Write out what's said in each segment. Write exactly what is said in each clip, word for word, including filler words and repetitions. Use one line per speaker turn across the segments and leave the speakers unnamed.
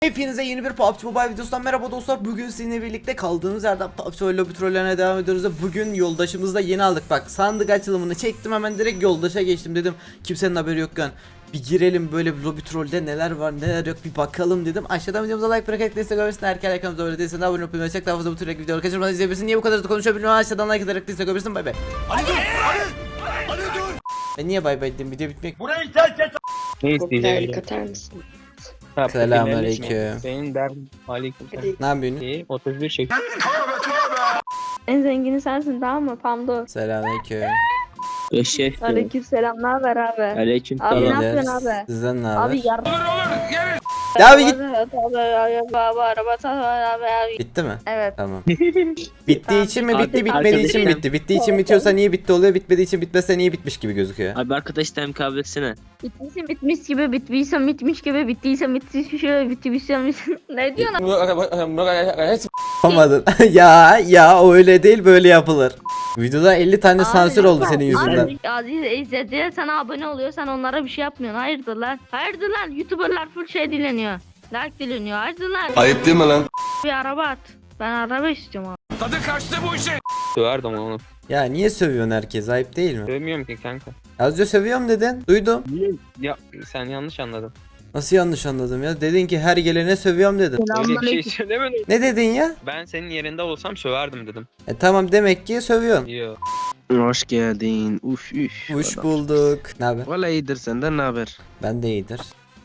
Hepinize yeni bir P U B G Mobile videosundan merhaba dostlar. Bugün sizinle birlikte kaldığımız yerden P U B G Lobby trollerine devam ediyoruz. Bugün yoldaşımızı da yeni aldık. Bak, sandık açılımını çektim, hemen direkt yoldaşa geçtim, dedim kimsenin haberi yokken bir girelim böyle bir lobby trollde neler var neler yok bir bakalım dedim. Aşağıdan videomuza like bırakıp destek olabilirsin. Erken kanalımıza öyle değilsen abone olmayı unutma. Daha fazla bu tür videoları kaçırmadan izleyebilirsin. Niye bu kadar hızlı konuşabiliyorum? Aşağıdan like ederek destek olabilirsin. Bay bay. Ali dur! Ali! Ali dur! Ben niye bay bay dedim, video bitmek.
Burayı terk et.
Ne isteyeceğim?
Katar mısın?
Selamünaleyküm.
Senin derdin aleykümselam.
Ne yapıyorsun?
İyi, otuz bir çek.
En zengini sensin, tamam mı Pamdo?
Selamünaleyküm.
Eşek.
Aleykümselam, ne haber abi?
Aleyküm
Abi ne
selam.
yapıyorsun abi?
Sizden ne haber?
Abi yar.
Ya abi git.
Abi araba abi abi.
Bitti mi?
Evet.
Tamam. Bittiği için mi bitti,
Artık
bitmediği için
arkadaşlar-
bitti. Bittiği için bitiyorsa niye bitti oluyor, bitmediği için bitmezse niye bitmiş gibi gözüküyor.
Abi arkadaş time kabul etsene.
Bitmişse bitmiş gibi, bittiyse bitmiş gibi, bittiyse bitmiş gibi, bittiyse ne diyorsun?
Yapamadın. ya ya öyle değil, böyle yapılır. Videoda elli tane sansür oldu senin yüzünden.
Abi Aziz izlediler, sana abone oluyor, sen onlara bir şey yapmıyorsun. Hayırdır lan? Hayırdır lan? YouTuber'lar full şey dileniyor. Like dileniyor. Hayırdır lan?
Ayıp değil mi lan?
Bir araba at. Ben araba istiyorum abi.
Tadı kaçtı bu işin.
Söverdim onu.
Ya niye sövüyorsun herkes, ayıp değil mi?
Sövmüyorum ki kanka.
Az önce sövüyorum dedin. Duydum.
Niye? Ya sen yanlış anladın.
Nasıl yanlış anladım ya? Dedin ki her gelene sövüyorum dedin.
Öyle bir şey söylemedim.
Ne dedin ya?
Ben senin yerinde olsam söverdim dedim.
E tamam, demek ki sövüyorsun.
Yo.
Hoş geldin. Uf üf.
Hoş
Adam.
bulduk. Ne haber?
Valla iyidir, senden ne haber?
Ben de iyidir.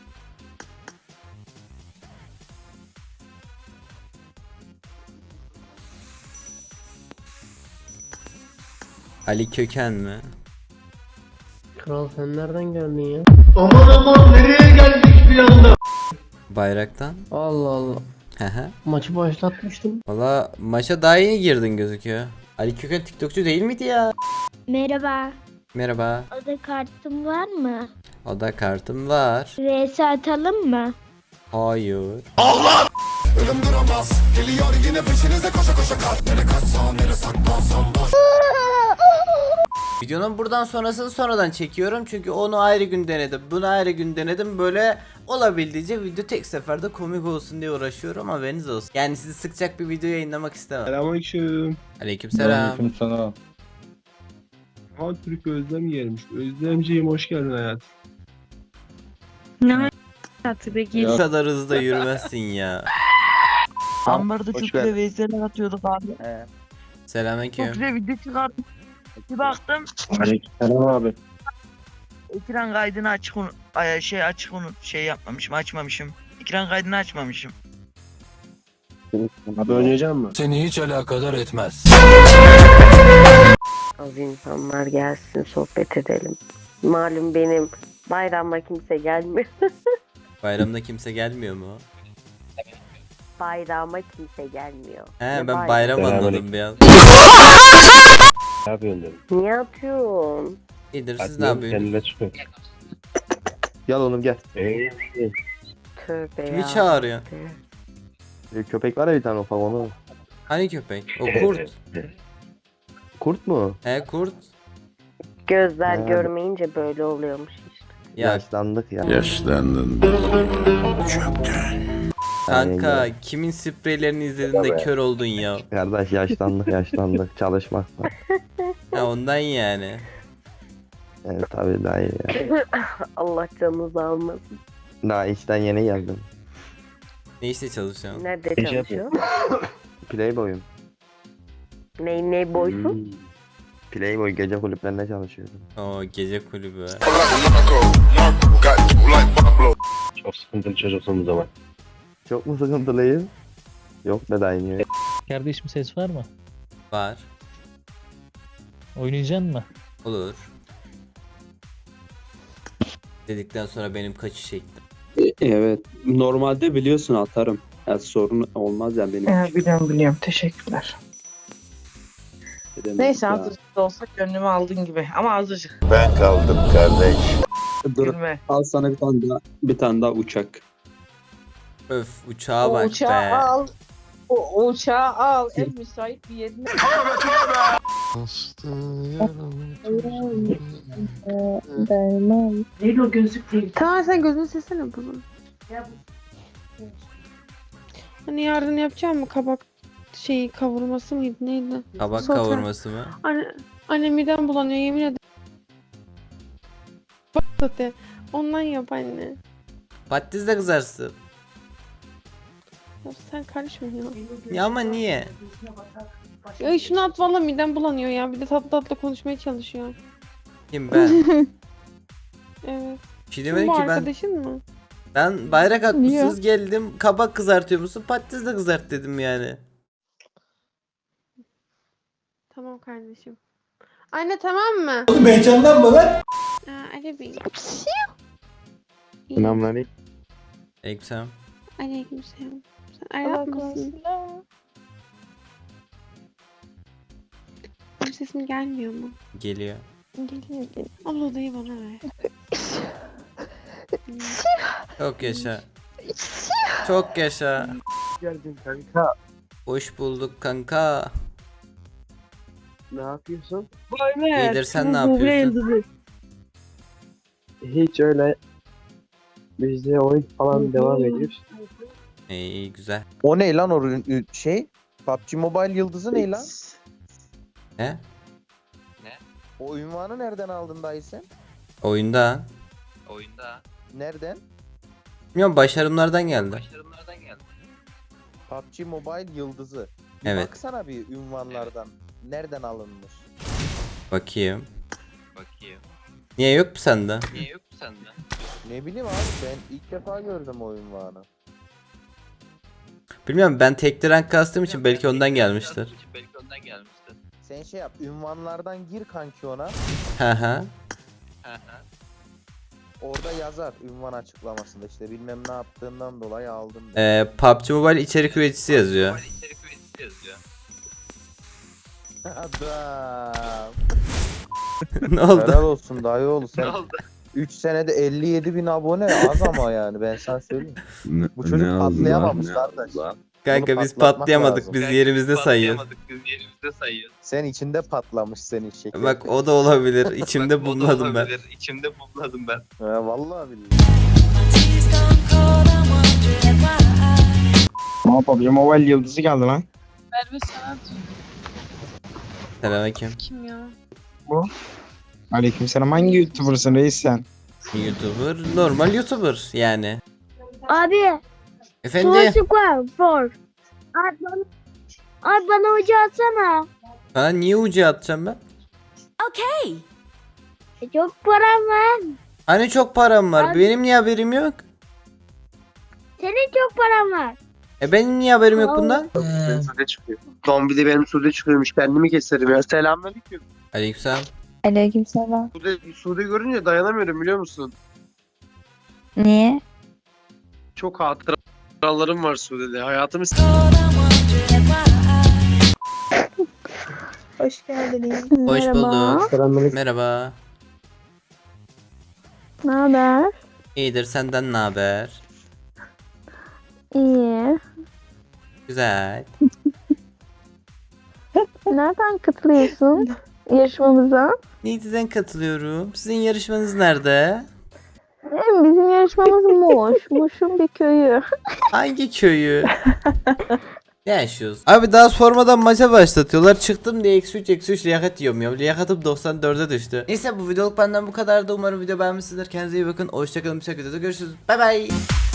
Ali Köken mi?
Kral sen nereden geldin ya?
Aman aman nereye geldik bir anda?
Bayraktan.
Allah Allah.
Hehe.
Maçı başlatmıştım.
Valla maça daha yeni girdin gözüküyor. Ali Köken TikTokçu değil miydi ya?
Merhaba.
Merhaba.
Oda kartın var mı?
Oda kartım var.
V S atalım mı?
Hayır.
Ölüm duramaz. Geliyor yine peşinize koşa koşa kart. Nere kaçsam nere saklansam boş.
Videonun buradan sonrasını sonradan çekiyorum çünkü onu ayrı gün denedim, bunu ayrı gün denedim, böyle olabildiğince video tek seferde komik olsun diye uğraşıyorum, haberiniz olsun. Yani sizi sıkacak bir video yayınlamak istemem.
Selamünaleyküm.
Aleykümselam.
Sana. Ha Türk Özlem gelmiş. Özlemciğim hoş geldin hayat.
Ne hayatı peki?
Bu kadar hızlı yürümezsin ya.
Ambarda çok güzel veyseler atıyorduk abi. Çok
Selamünaleyküm.
güzel video çıkardım. Bir baktım
Aleykümselam abi.
ekran kaydını açık unut, ay, şey açık unut, şey yapmamışım, açmamışım. Ekran kaydını açmamışım.
Abi oynayacak mısın?
Seni hiç alakadar etmez.
Az insanlar gelsin, sohbet edelim. Malum benim bayramda kimse gelmiyor.
Bayramda kimse gelmiyor mu?
Bayrama kimse gelmiyor.
He,
Ne
ben
bayram?
bayram anladım bir an.
Ne yapıyorsun dedim.
Niye atıyorsun?
İyidir, siz ne yapıyorsunuz?
Kendine çıkıyor. Gel oğlum gel.
Tövbe
Kimi
ya.
çağırıyor?
Köpek var ya bir tane ufak onu.
Hani köpek? O kurt.
Kurt mu?
He, kurt.
Gözler
Ha.
görmeyince böyle oluyormuş işte.
Ya
Yaşlandık ya.
Yaşlandın.
kanka, kimin spreylerini izledin de kör oldun ya?
Kardeş yaşlandık yaşlandık çalışmakla.
Ha, ondan yani.
Evet tabii daha iyi ya.
Allah canınızı almasın.
Daha işten yeni geldim.
Ne işte çalışıyorsun?
Nerede
Gece
çalışıyor?
Playboy'um.
Ney ney boysun?
Hmm. Playboy gece kulüplerinde çalışıyorum.
O gece kulübü.
Çok sıkıntılı çocuksun bu zaman. Çok mu sıkıntılıyım? Yok be dayanıyor.
Kardeşim ses var mı?
Var.
Oynayacaksın mı?
Olur. Dedikten sonra benim kaçış çektim.
Evet. Normalde biliyorsun atarım. Yani sorun olmaz yani benim.
Ee, biliyorum biliyorum, teşekkürler.
Demek
Neyse
ya.
azıcık da olsa gönlümü aldın gibi ama azıcık.
Ben kaldım kardeş.
Dur,
Gülme.
al sana bir tane daha, bir tane daha uçak.
Öf, uçağa
O
bak
uçağı
be.
al. O uçağı al. En müsait bir yerine.
Değil o gözlük değil.
Tamam sen gözünü silsene bunu.
Hani yarın yapacağım mı kabak şeyi kavurması mıydı neydi?
Kabak
Sote.
kavurması mı?
Anne, anne midem bulanıyor yemin ederim. Bak sote. Ondan yap anne.
Patates de kızarsın.
Ya sen karışma ya.
Ya ama niye?
Ya şunu at valla midem bulanıyor ya. Bir de tatlı tatlı konuşmaya çalışıyor.
Kim ben?
Evet.
Bir şey
Kim
demedim
bu
ki ben.
arkadaşın mı?
Ben bayrak atmışsınız geldim kabak kızartıyor musun? Patates de kızart dedim yani.
Tamam kardeşim. Anne tamam mı?
Oğlum heyecanlanma lan.
Aa, Ali Bey.
Selamünaleyküm.
Aleykümselam.
Aleykümselam. Sen Arap mısın? Benim sesim gelmiyor mu?
Geliyor.
Geliyor geliyor. Al odayı bana ver. Hmm.
Çok yaşa. Çok yaşa.
Geldin kanka.
Hoş bulduk kanka.
Ne yapıyorsun?
İyidir sen ne yapıyorsun?
Hiç öyle. Biz de oyun falan devam ediyoruz.
İyi, iyi güzel.
O ne lan o ürün- şey? P U B G Mobile yıldızı ne lan?
He?
O ünvanı nereden aldın dayı sen?
Oyunda.
Nereden?
Bilmiyorum başarımlardan geldi.
P U B G Mobile yıldızı. Bir
Evet.
baksana bir ünvanlardan. Nereden alınmış?
Bakayım. Niye yok mu sende?
Ne bileyim abi ben ilk defa gördüm o ünvanı.
Bilmiyorum ben tekli rank kastığım için belki ondan gelmiştir.
Sen şey yap ünvanlardan gir kanki ona.
Hı hı.
Orada yazar ünvan açıklamasında işte bilmem ne yaptığından dolayı aldım.
Ee, P U B G Mobile içerik üreticisi yazıyor.
Adam.
Ne oldu?
Helal olsun dayı oğlu sen. üç senede elli yedi bin abone az ama yani ben sana söyleyeyim. Bu çocuk patlayamamış kardeş.
Kanka
Bunu
biz
patlatmak
patlayamadık
lazım.
biz yerimizde sayıyoruz.
Sen içinde patlamış senin şeker.
Bak o da olabilir. İçimde bulmadım ben.
He vallahi billahi.
Ne yapabilirim? Mobile yıldızı geldi lan.
Merve Sanat
Selamünaleyküm.
kim ya?
Aleykümselam. Hangi YouTuber'sın reis sen?
YouTuber, normal YouTuber yani.
Abi.
Efendim?
Soğuk var. For. Abi bana, abi bana hoca atsana.
Sana niye ucu atacağım ben?
E, çok param var.
Hani çok param var.
Abi-
Benim niye haberim yok?
Senin çok param var.
E benim niye haberim yok
Al.
bundan?
Benim sude çıkıyor. Zombi de benim sude çıkıyormuş. Kendimi keserim ya. Selamünaleyküm.
Aleykümselam.
Aleykümselam.
Sude, sude görünce dayanamıyorum biliyor musun?
Niye?
Çok hatıralarım var Sude'de. Hayatımı
Hoş geldiniz.
Hoş bulduk.
Selamünaleyküm.
Merhaba.
Ne haber?
İyidir senden ne haber?
İyi.
Güzel.
Nereden katılıyorsun yarışmamıza?
Neydi'den katılıyorum. Sizin yarışmanız nerede?
Bizim yarışmamız Muş. Muş'un bir köyü.
Hangi köyü? Ne yaşıyoruz? Abi daha sormadan maça başlatıyorlar. Çıktım diye eksi üç eksi üç liyakat yiyorum ya. Liyakatım doksan dörde düştü. Neyse bu videoluk benden bu kadardı. Umarım video beğenmişsinizdir. Kendinize iyi bakın. Hoşçakalın. Bir sonraki videoda görüşürüz. Bay bay.